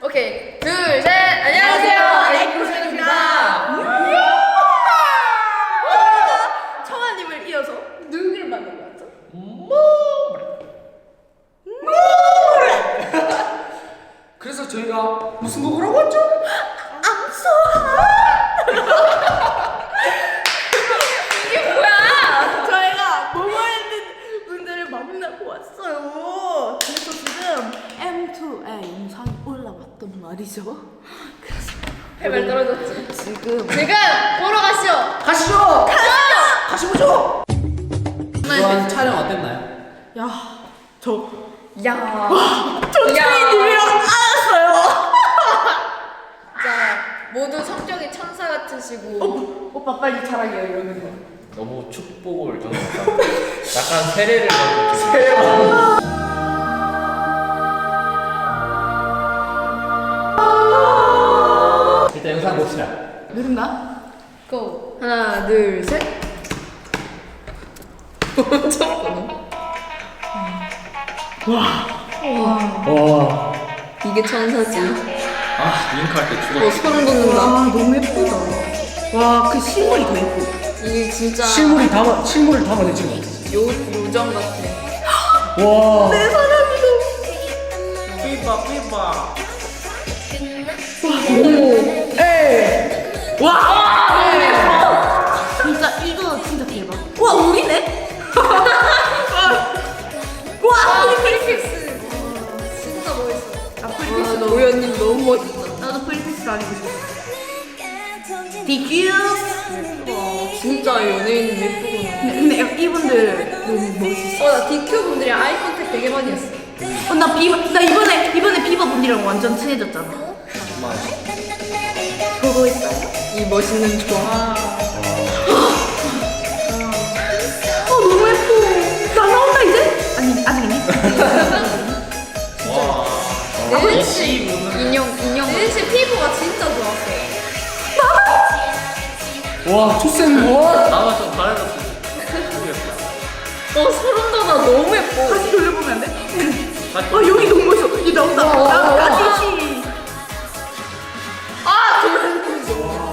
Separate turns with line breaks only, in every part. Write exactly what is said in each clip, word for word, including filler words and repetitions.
오케이, 둘, 셋. 안녕하세요, 에이쿠션입니다.
청아님을 이어서 누구를 만난 거 같죠?
그래서 저희가 무슨 곡을 하고 왔죠?
이게 뭐야?
저희가 모모랜드 분들을 만나고 왔어요. 그래서 지금 엠 투의 영상이 올라왔단 말이죠. 그래서
해발 떨어졌지.
지금
지금 보러 가시죠.
가시죠!
가시죠.
가시보죠! 이번 촬영 어땠나요?
야, 저
야,
저 트윈님이랑 알았어요.
자, 모두 성격이 천사 같으시고.
오, 오빠 빨리 자랑해요 이러는 거.
너무 축복을 저는 약간, 약간 세례를 받고 일단 영상 봅시다.
누른가?
고. 하나, 둘, 셋.
와,
이게 천사지.
아 윙크할 때
어,
죽었어.
소름 돋는다.
와 너무 예쁘다. 와 그 실물이 더 예뻐.
이게 진짜
실물이 담아, 실물을 담아내 지금.
요, 요정 같아.
와.
내 사랑이
삐빠 삐빠.
너무.
에이!
와! 진짜 이거 진짜 대박. 와 우리네? 와
아,
우리
프리픽스. 진짜 멋있어.
아
와,
프리픽스 너무.
노현님 너무 멋있다.
나도 프리픽스 다니고 싶어. 디큐.
진짜 연예인 예쁘구나.
근데, 근데 이분들 너무 멋있어.
어, 나 디큐 분들이랑 아이 컨택 되게 많이 했어.
어, 나 비바 나 이번에 이번에 비바 분들이랑 완전 친해졌잖아. 보고 있어요?
이 멋있는 조화.
어 너무 예뻐. 나 나온다 이제? 아니 아직 있니?
와.
네은 씨 인형 인형. 네은 씨 피부가 진짜 좋았어.
와, 초쌤 뭐?
나만 좀 밝아졌어. 모르겠다.
어, 소름 돋아. 너무 예뻐.
다시 돌려보면 안 돼?
다시
아 여기 너무 멋있어. 이 나온다.
와, 와, 와.
나 같이.
아, 도현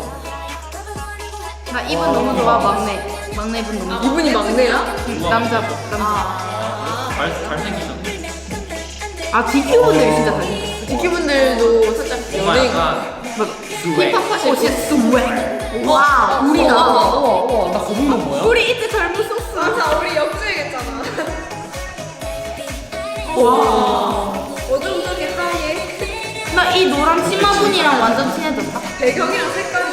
나 이분 너무 좋아 막내. 막내 분 너무. 좋아.
이분이 막내야?
응, 남자분 남자.
아,
잘 잘생기셨네.
아 디큐 분들이 진짜 잘생겼어.
디큐 분들도 살짝
정말
연예인.
약간
맞아.
스웩.
힙합 하실
어
때.
진짜 스웩. 와 우리가.
우와, 우와, 나 거북목 뭐야?
우리 이때 젊었었어.
맞아, 우리 역주행했잖아.
와.
어둠속의 하얘.
나 이 노란 치마 분이랑 완전 친해졌다.
배경이랑 색감이.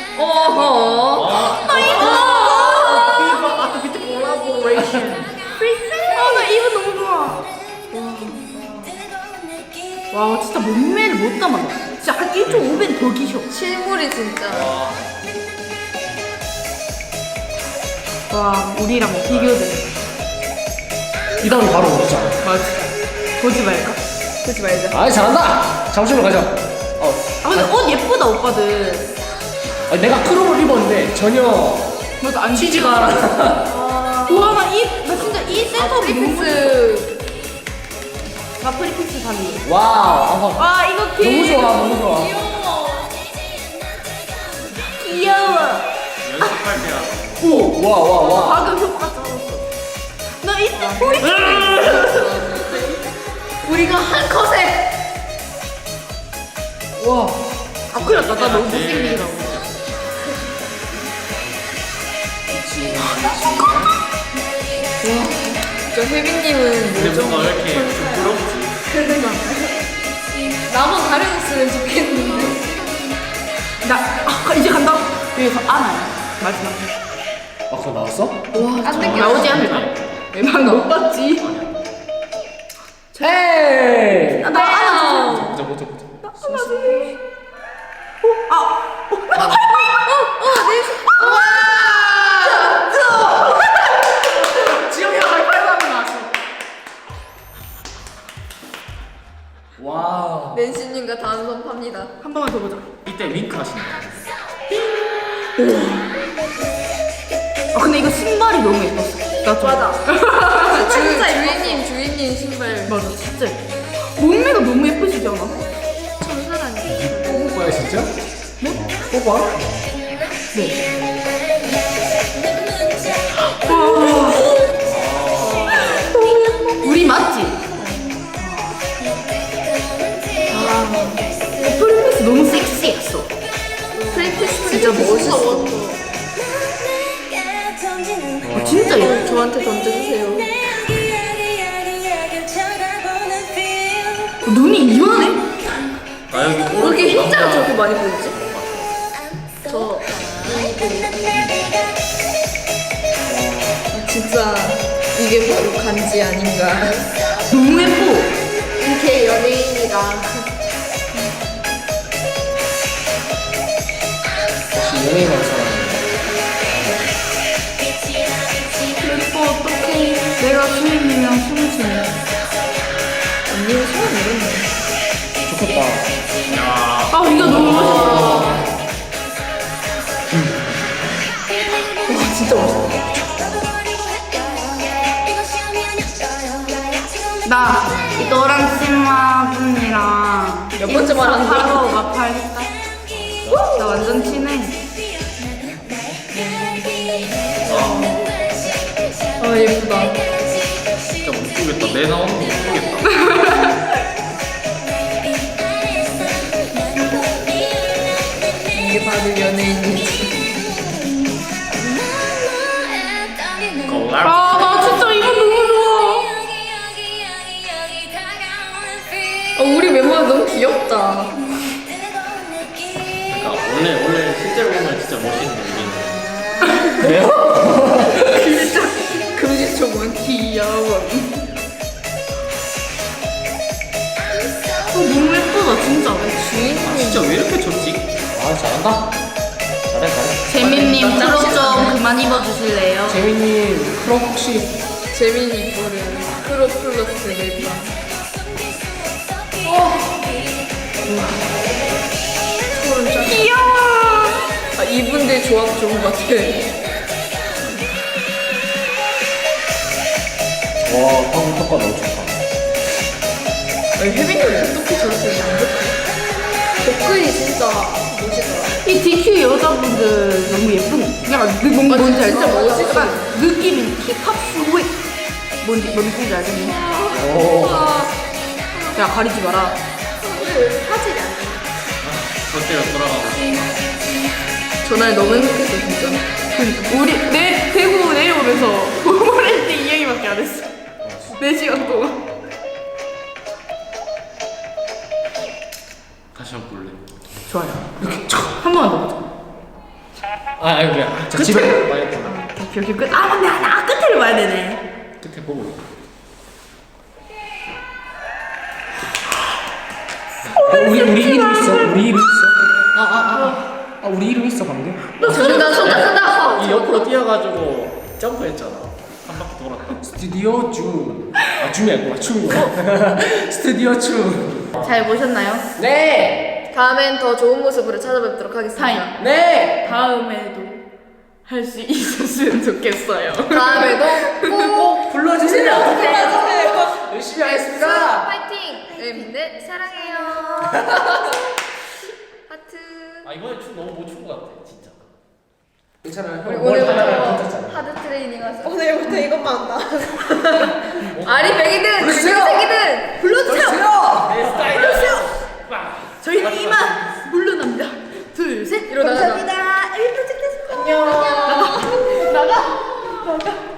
어허.
나 이거.
아,
아, 밑에 콜라보레이션. 아, 나 이거 너무 좋아. 와, 진짜 몸매를 못 담았다. 진짜 한 일 점 오 배 더 기셔.
실물이 진짜.
와.
와, 우리랑 비교돼.
이 다음에 바로 오자.
맞아. 보지 말까?
그러지 말자.
아이, 잘한다! 잠시만 가자. 어.
아, 근데 옷 예쁘다, 오빠들.
아니, 내가 크롭을 입었는데 전혀
맞아, 안
치지가 않아.
와, 나 이, 나 진짜 이 셋업이 너무.
프리픽스.
나 프리픽스 사니.
와우. 아,
와, 이거
너무
개.
좋아, 너무 좋아.
귀여워.
귀여워.
연습할 때야.
오, 와, 와, 와.
방금 효과 떨었어. 나 이때 우리
우리가 한 컷에.
와.
아 큰일 났다. 나 너무 못생기더라고.
저 혜빈님은
근데
뭐죠?
뭔가 왜 이렇게 좀 부럽지?
그러니까. 나만 가려줬으면 좋겠는데.
나 아, 이제 간다. 여기서 안아요. 마지막.
아, 그거 나왔어?
와, 안 돼.
나오지 않을까? 난못 봤지.
헤이!
나 안아.
보자 보자 보자.
안아주세요. 어, 아.
지영이가 하이파이브 하고 나왔어. 와우.
낸시님과 단선 팝니다.
한 번만 더 보자.
이때 윙크 하시네.
아 근데 이거 신발이 너무 예뻤어. 나 좀.
맞아. 주, 주인님, 주인님 신발.
맞아, 진짜. 예뻐. 몸매가 너무 예쁘시지 않아?
천사
진짜? 뭐? 뽑아?
우리 맞지? 아, 프리패스 너무 섹시했어.
프리패스
진짜 멋있어. 아, 진짜 예뻐.
저한테 던져주세요.
어, 눈이 이만해?
나 여기
왜 이렇게 흰자가
남자-
저렇게 많이 보이지? 저 진짜 이게 바로 간지 아닌가.
너무 예뻐.
이렇게 연예인이다.
역시 연예인 완성.
예뻐, 어떡해. 내가 주인이면 숨을 쉬네.
언니는 소원 이렇네.
좋겠다.
야,
아, 이거 너무 멋있어.
와 진짜 멋있다.
나 너랑 치마 분이랑
몇 번째 말하는 거야?
하루가 팔겠다. 나 완전 친해.
아 예쁘다.
진짜 못 보겠다. 내 나오는 거 못 보겠다.
이게 바로 연예인이지.
거울.
아, 나 진짜 이거 너무 좋아.
어, 우리 멤버 너무 귀엽다.
그러니까 원래 원래 실제로 보면 진짜 멋있는데 우리는
진짜 금지초문 귀여워.
어, 너무 예쁘다, 진짜.
아, 진짜 왜 이렇게 좋지?
아 잘한다. 잘해 잘해.
재민님
맞다.
프로 좀 그만 입어주실래요?
재민님 크롭 혹시
재민이 부른 크로 플러스 멜빵. 소름 쫙.
귀여워.
아, 이분들 조합 좋은 것 같아.
와 방금 효과 너무 좋다.
아니, 혜빈이 어떻게 저렇게 만족해? 복근이 진짜 멋있더라.
이 디큐 여자분들 너무 예쁜. 약간 느, 뭔,
아,
뭔지 알지?
진짜 멋있어.
약간 느낌이 힙합 스윗. 뭔지 뭔 느낌인지 알겠니?
오.
야, 가리지 마라.
사진이 아니야.
절대로 돌아가고.
전날 너무 행복했어, 진짜.
그러니까 우리 내 대구 내려오면서 오렌지 이 얘기밖에 안 했어. 네 시간 동안.
다시 한번 볼래.
좋아요. 한 번만 더 보자.
아 아니 그래. 자 집에
많이 했구나.
오케이, 오케이, 끝. 아, 근데 나 끝을 봐야 되네.
끝에 보고.
어, 우리 우리 이름 있어. 우리 이름 있어. 아아아 아, 아, 우리 이름 있어 방금.
손다, 손다, 손다.
이 옆으로 뛰어가지고 점프했잖아. 한 바퀴 돌았다.
스튜디오 줌. 아 줌이 아니구나 춤. 스튜디오 춤.
잘 보셨나요?
네.
다음엔 더 좋은 모습으로 찾아뵙도록 하겠습니다.
타임.
네.
다음에도 할 수 있었으면 좋겠어요.
다음에도 꼭
불러주세요.
불러주세요.
열심히 하겠습니다.
파이팅! 네, 사랑해요. 하트.
아 이번에 춤 너무 못 춘 것 같아 진짜.
괜찮아요.
우리
형 뭘 하나를
오늘부터
괜찮잖아.
하드 트레이닝 하자. 오늘부터 이것만 한다. 아리백이든
불러주세요.
주민색이든 불러주세요.
불러주세요.
내 스타일이야.
저희는 이만